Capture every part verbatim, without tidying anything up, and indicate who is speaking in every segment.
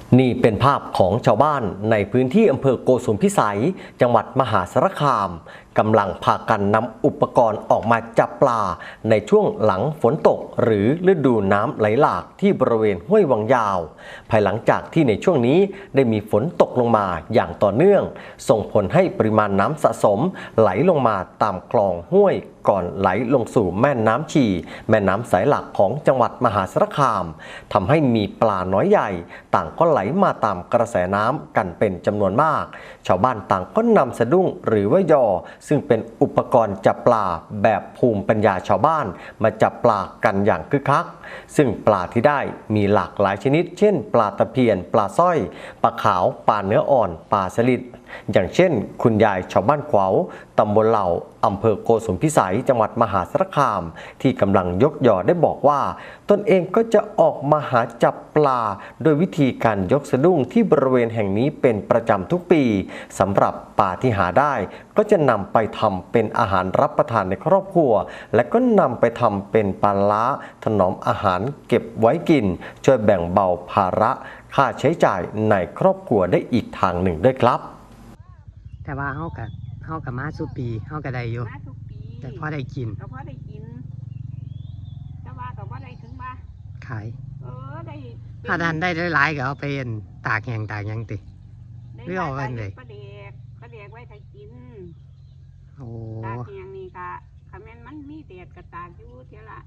Speaker 1: นี่เป็นภาพของชาวบ้านในพื้นที่อำเภอโกสุมพิสัยจังหวัดมหาสารคามกำลังพากันนำอุปกรณ์ออกมาจับปลาในช่วงหลังฝนตกหรือฤดูน้ำไหลหลากที่บริเวณห้วยวังยาวภายหลังจากที่ในช่วงนี้ได้มีฝนตกลงมาอย่างต่อเนื่องส่งผลให้ปริมาณน้ำสะสมไหลลงมาตามคลองห้วยก่อนไหลลงสู่แม่น้ำชีแม่น้ำสายหลักของจังหวัดมหาสารคามทำให้มีปลาน้อยใหญ่ต่างก็ไหลมาตามกระแสน้ำกันเป็นจำนวนมากชาวบ้านต่างก็นำสะดุ้งหรือว่ายอซึ่งเป็นอุปกรณ์จับปลาแบบภูมิปัญญาชาวบ้านมาจับปลากันอย่างคึกคักซึ่งปลาที่ได้มีหลากหลายชนิดเช่นปลาตะเพียนปลาสร้อยปลาขาวปลาเนื้ออ่อนปลาสลิดอย่างเช่นคุณยายชาวบ้านขวาวตำบลเหล่าอำเภอโกสุมพิสัยจังหวัดมหาสารคามที่กำลังยกยอได้บอกว่าตนเองก็จะออกมาหาจับปลาโดยวิธีการยกสะดุ้งที่บริเวณแห่งนี้เป็นประจำทุกปีสำหรับปลาที่หาได้ก็จะนำไปทำเป็นอาหารรับประทานในครอบครัวและก็นำไปทำเป็นปลาร้าถนอมอาหารเก็บไว้กินช่วยแบ่งเบาภาระค่าใช้จ่ายในครอบครัวได้อีกทางหนึ่งด้วยครับ
Speaker 2: แต่ว่าเฮากับเฮากับมาสุปีเฮากับได้อยู่
Speaker 3: มาทุกปี
Speaker 2: แต่พอได้กิน
Speaker 3: ก็พอได้กินแต่ว่าก็บ่ได้ถึงว่า
Speaker 2: ขาย
Speaker 3: เออได้
Speaker 2: ถ้าดันได้หลายๆก็เอาไปเอ็นตากแห้งตากหยังติหรือเอาไว้เลย
Speaker 3: ปลาเด็กปลาเด็กไว้ให้กิน
Speaker 2: โอ้
Speaker 3: ตากแห้งนี่ค่ะคำแม่นมันมีแดดก็ตากอยู่เท่าละ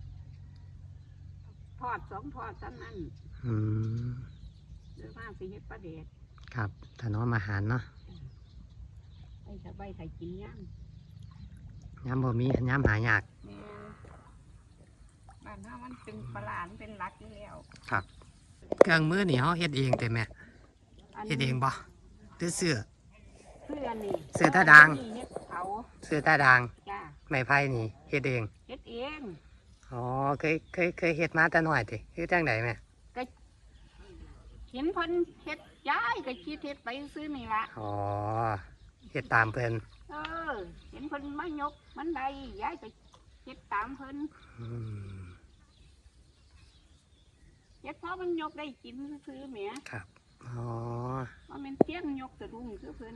Speaker 3: ทอดสองทอดซ้ำนั้น
Speaker 2: อืม
Speaker 3: หรือว่าสิเฮ็ดปลาเด็ก
Speaker 2: ครับถนอมอาหารเนาะ
Speaker 3: ไอ้จะไว้ให้กินย่ำ
Speaker 2: ย้ำบ่มีย้ำหายาก
Speaker 3: บ้านเฮามันเป็นปลาเป็นหลักอยู่แล้ว
Speaker 2: ครับเครื่องมือนี่เฮาเฮ็ดเองแต่แม่เฮ็ดเองบ่หรือเสื้อ
Speaker 3: เสื้อนี่
Speaker 2: เสื้อตาด่าง
Speaker 3: เขา
Speaker 2: เสื้อตาด่าง
Speaker 3: จ้า
Speaker 2: ไม้ไผ่นี่เฮ็ดเอง
Speaker 3: เฮ็ดเอง
Speaker 2: อ๋อเคยเคยเคยเฮ็ดมาแต่น้อยติคือจังได๋แม่
Speaker 3: ก็เห็นเพิ่นเฮ็ดย้ายก็คิดเฮ็ดไปซื้อนี่ล่ะ
Speaker 2: อ๋อเฮ็ดตามเพิ่น
Speaker 3: เออเห็นเพิ่นมายกมันได้ย้ายก็เฮ็ดตามเพิ่น
Speaker 2: อืม
Speaker 3: เฮ็ดเพราะมันยกได้กินซื้อแหม
Speaker 2: ครับอ๋อ
Speaker 3: ว่ามันเที่ยงยกสะดุ้งคือเพิ่น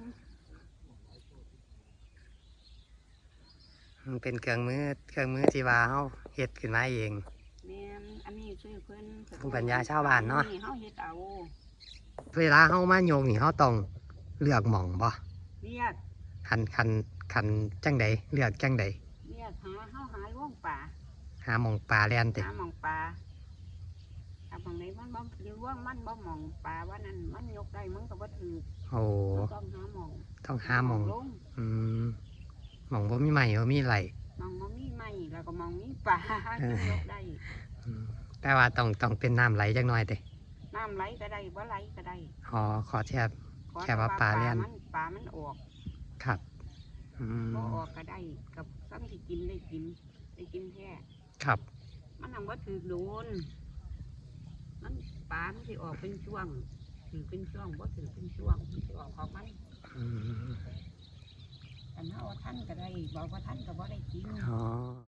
Speaker 2: มันเป็นเครื่องมือเครื่องมือที่ว่าเฮาเฮ็ดขึ้นมาเอง
Speaker 3: แม่นอันนี้ซื้อเพิ่น
Speaker 2: ภูมิปัญญาชาวบ้านเนาะ
Speaker 3: เฮาเฮ็ดเอา
Speaker 2: เวลาเฮามาโยงนี่เฮาต้องเลือกหม่องบ่
Speaker 3: เลือก
Speaker 2: คันคันคันจังใดเลือกจังใด
Speaker 3: เลือกหาเฮาหาล่วงป่า
Speaker 2: หาหม่องปลาแล่นติ
Speaker 3: หาหม่องปลาถ้าหม่องไหนมันบ่ล่วงมันบ่หม่องปลาว่านั้นมันยกได้มันก็บ่ถูก
Speaker 2: โอ้
Speaker 3: ต้องหาหม่อง
Speaker 2: ต้องหาหม่องอืมหม่องบ่มีไม้บ่มีไหล
Speaker 3: หม่องบ่มีไม้แล้วก็หม่องมีปลายกได้
Speaker 2: แต่ว่าต้องต้องเป็นน้ำไหลจักหน่อยติ
Speaker 3: น้ำไหลก็ได้บ่ไหลก็ได้
Speaker 2: อ๋อขอแค่แค่ว่าปลาแล่น
Speaker 3: ปลามันออก
Speaker 2: ครับอืม
Speaker 3: บ่ออกก็ได้กับซ้ำที่กินได้กินได้กินแท้
Speaker 2: ครับ
Speaker 3: มันทำว่าถือโดนมันปลามันสิออกเป็นช่วงถือเป็นช่วงบ่ถือเป็นช่วงมันสิออกของมัน
Speaker 2: อืม
Speaker 3: แต่ถ้าว่าท่านก็ได้บอกว่าท่านก็บ่ได้กิน
Speaker 2: อ๋อ